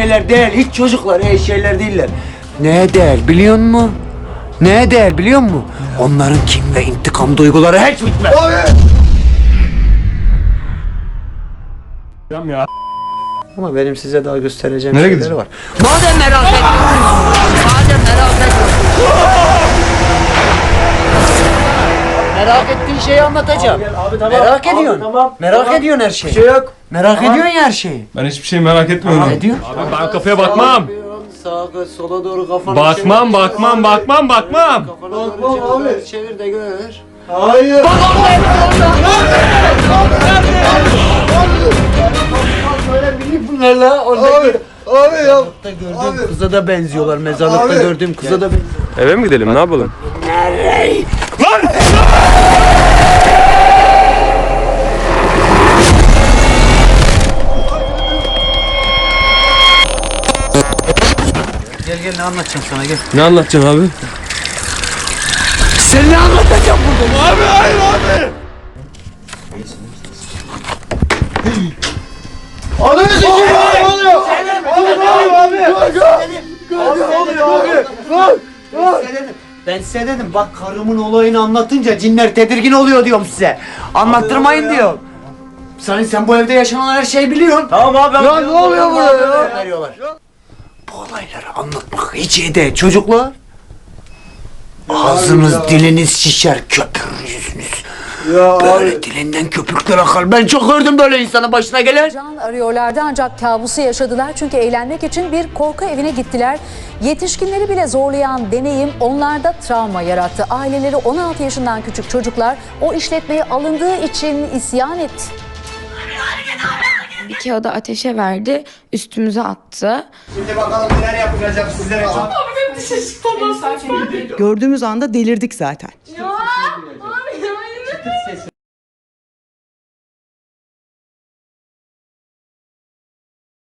şeyler değil. Hiç çocuklar iyi şeyler değiller. Ne değil biliyor musun? Ne değil biliyor musun? Onların kin ve intikam duyguları hiç bitmez. Ya. Ama benim size daha göstereceğim Nereye şeyler gideceğim? var. Madem merak Merak ettiğin şeyi anlatacağım. Abi tamam. Merak Abi, ediyorsun. tamam. Merak Tamam. ediyorsun her şeyi. Bir şey yok. Merak ediyorsun ya her şeyi. Ben hiçbir şey merak etmiyorum. Ne diyorsun? Abi ben kafaya bakmam. Sağa sola doğru kafanı Bakmam, bakmam. Kafanı Bakmam doğru abi. çevir de gör. Hayır. Bunlar la orada Abi. Abi ya. gördüğüm kıza da benziyorlar. Mezarlıkta Abi. gördüğüm kıza da benziyorlar. Eve mi gidelim, ne yapalım? Gel ne anlatacağım sana gel. Ne anlatacaksın abi? Sen ne anlatacaksın burada? Abi hayır abi. Ananı sikeyim abi. Ne oluyor? Abi ne oluyor abi? Ben size dedim bak karımın olayını anlatınca cinler tedirgin oluyor diyorum size. Anlattırmayın diyorum. Sen bu evde yaşanan her şeyi biliyorsun. Tamam abi. Ya ne oluyor burada ya? Veriyorlar. Bu olayları anlatmak hiç iyi değil çocuklar. Ağzınız diliniz şişer köpürür yüzünüz. Ya Böyle dilinden köpükler akar. Ben çok gördüm böyle insanın başına gelen. Can arıyorlardı ancak kabusu yaşadılar çünkü eğlenmek için bir korku evine gittiler. Yetişkinleri bile zorlayan deneyim onlarda travma yarattı. Aileleri 16 yaşından küçük çocuklar o işletmeye alındığı için isyan etti. Bir kağıdı ateşe verdi, üstümüze attı. Şimdi bakalım neler yapacak sizlere. Gördüğümüz anda delirdik zaten.